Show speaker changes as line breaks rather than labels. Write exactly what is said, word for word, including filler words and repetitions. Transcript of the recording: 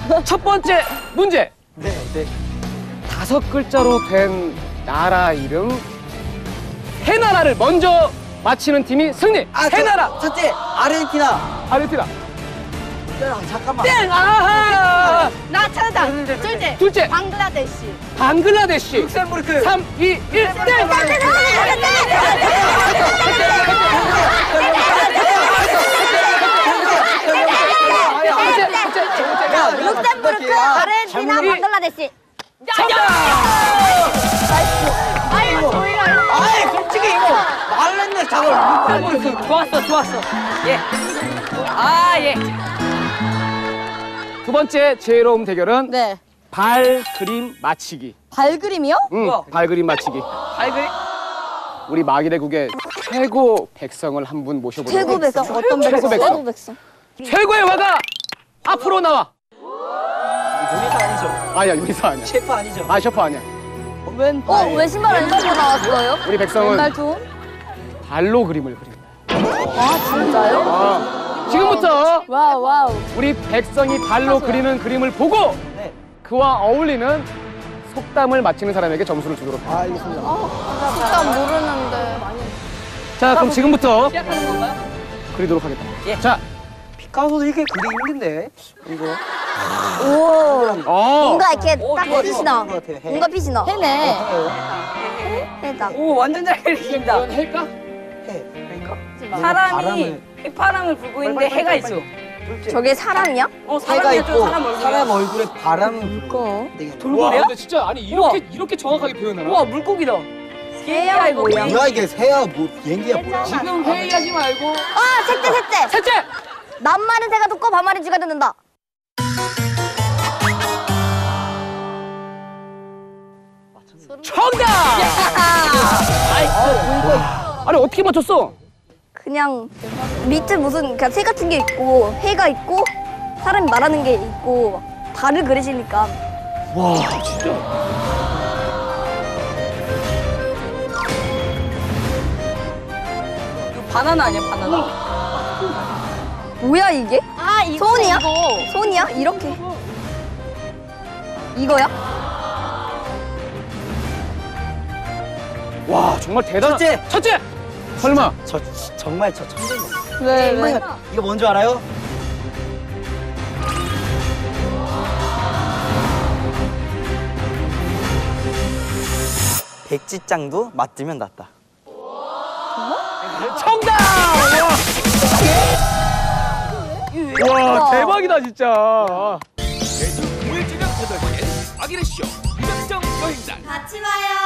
첫 번째 문제.
네, 네.
다섯 글자로 된 나라 이름 세 나라를 먼저 맞히는 팀이 승리.
아,
세 나라.
첫째, 아르헨티나.
아르헨티나.
아, 잠깐만.
땡. 아하.
나 찾았다. 둘째.
둘째.
방글라데시.
방글라데시.
룩셈부르크.
삼, 이, 일, 땡.
룩셈부르크, 아르헨티나, 방글라데시. 아이고, 저희가.
아이, 솔직히 이거 말했네, 잠깐. 룩셈부르크.
좋았어, 좋았어. 예. 아, 예.
두 번째 지혜로움 대결은
네.
발 그림 맞히기.
발그림이요?
응,
우와.
발 그림 맞히기.
발그리?
우리 마기대국의 최고 백성을 한 분 모셔보도록
최고 백성 어떤
최고
백성?
백성.
최고 백성.
최고의 화가 앞으로 나와.
요리사 아니죠?
아니야, 요리사 아니야.
셰프 아니죠?
아, 셰프 아니야.
웬? 어, 왜 신발 안 신고 나왔어요?
우리 백성은
왼발 투?
발로 그림을 그린다.
아, 진짜요?
아, 지금부터
와우, 와우.
우리 백성이 발로 그리는 그림을 보고
네.
그와 어울리는 속담을 맞히는 사람에게 점수를 주도록 합니다.
아, 알겠습니다.
진짜 모르는데.
자, 그럼 지금부터
시작하는 건가요?
그리도록 하겠다.
예.
자,
피카소도 이렇게 그리기 힘든데? 이거.
오.
어,
뭔가 이렇게
오,
딱
좋아,
빛이
좋아.
나.
그런 것 같아요, 해.
뭔가 빛이 나. 해네. 해다.
오, 완전 잘 그리신다.
이건 할까?
해. 그러니까?
사람이 휘파람을 불고 있는데 해가 있어.
저게 사람이야?
어,
해가
사람이 좀
있고
사람 얼굴.
사람 얼굴에 바람을 불고.
그거.
되게
와,
돌고래야?
근데 진짜 아니 이렇게 이렇게 정확하게 표현하나?
우와, 물고기다.
새야,
이거
뭐야?
뭐야 이게 새야 뭐 비행기야 뭐야?
지금 회의하지 말고
아, 셋째, 셋째.
셋째.
낱말은 새가 듣고 반말은 쥐가 듣는다.
정답! 아니 어떻게 맞췄어?
그냥 밑에 무슨 그냥 새 같은 게 있고 해가 있고 사람이 말하는 게 있고 달을 그리시니까.
와, 진짜.
이거 바나나 아니야, 바나나?
뭐야 이게?
아, 이거.
손이야?
이거.
손이야? 이렇게. 이거야?
와, 정말 대단한.
첫째!
첫째. 설마.
저 정말 저 천재네.
왜, 왜?
이거 뭔지 알아요? 백지장도 맞으면 낫다.
정답! 와, 와 대박이다 진짜.
매주 금요일 저녁 여덟 시엔 아기레쇼 유작정 여행단
같이 봐요.